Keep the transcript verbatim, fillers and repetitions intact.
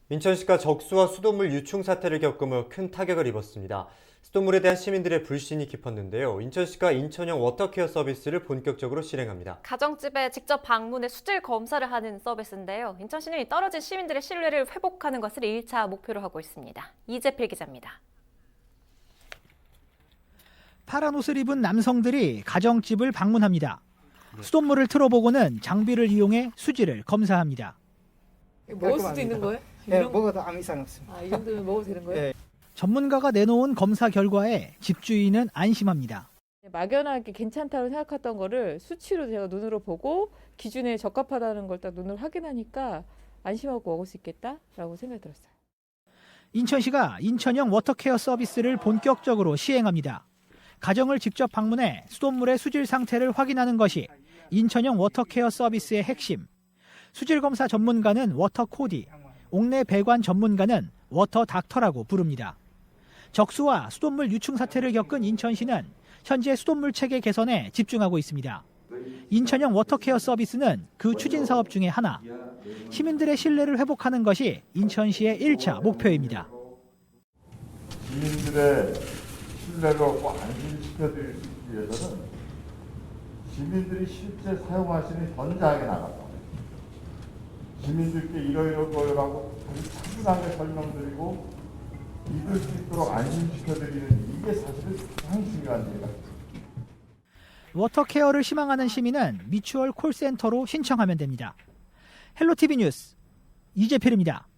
인천시가 적수와 수돗물 유충 사태를 겪으며 큰 타격을 입었습니다. 수돗물에 대한 시민들의 불신이 깊었는데요. 인천시가 인천형 워터케어 서비스를 본격적으로 실행합니다. 가정집에 직접 방문해 수질 검사를 하는 서비스인데요. 인천시는 떨어진 시민들의 신뢰를 회복하는 것을 일 차 목표로 하고 있습니다. 이재필 기자입니다. 파란 옷을 입은 남성들이 가정집을 방문합니다. 수돗물을 틀어보고는 장비를 이용해 수질을 검사합니다. 먹을 수도 있는 거예요? 네, 이런- 먹어도 아무 이상 없습니다. 아, 이 정도면 먹어도 되는 거예요? 네. 전문가가 내놓은 검사 결과에 집주인은 안심합니다. 막연하게 괜찮다고 생각했던 거를 수치로 제가 눈으로 보고 기준에 적합하다는 걸 딱 눈으로 확인하니까 안심하고 먹을 수 있겠다라고 생각이 들었어요. 인천시가 인천형 워터케어 서비스를 본격적으로 시행합니다. 가정을 직접 방문해 수돗물의 수질 상태를 확인하는 것이 인천형 워터케어 서비스의 핵심. 수질 검사 전문가는 워터코디, 옥내 배관 전문가는 워터닥터라고 부릅니다. 적수와 수돗물 유충 사태를 겪은 인천시는 현재 수돗물 체계 개선에 집중하고 있습니다. 인천형 워터케어 서비스는 그 추진 사업 중에 하나. 시민들의 신뢰를 회복하는 것이 인천시의 일 차 목표입니다. 시민들의 신뢰를 얻고 안심시켜드리기 위해서는 시민들이 실제 사용하시는 현장에 나가서 시민들께 이러이러거라고 아주 차분하게 설명드리고 믿을 수 있도록 안심시켜드리는 이게 사실은 가장 중요한 일이다. 워터케어를 희망하는 시민은 미추홀 콜센터로 신청하면 됩니다. 헬로티비 뉴스 이재필입니다.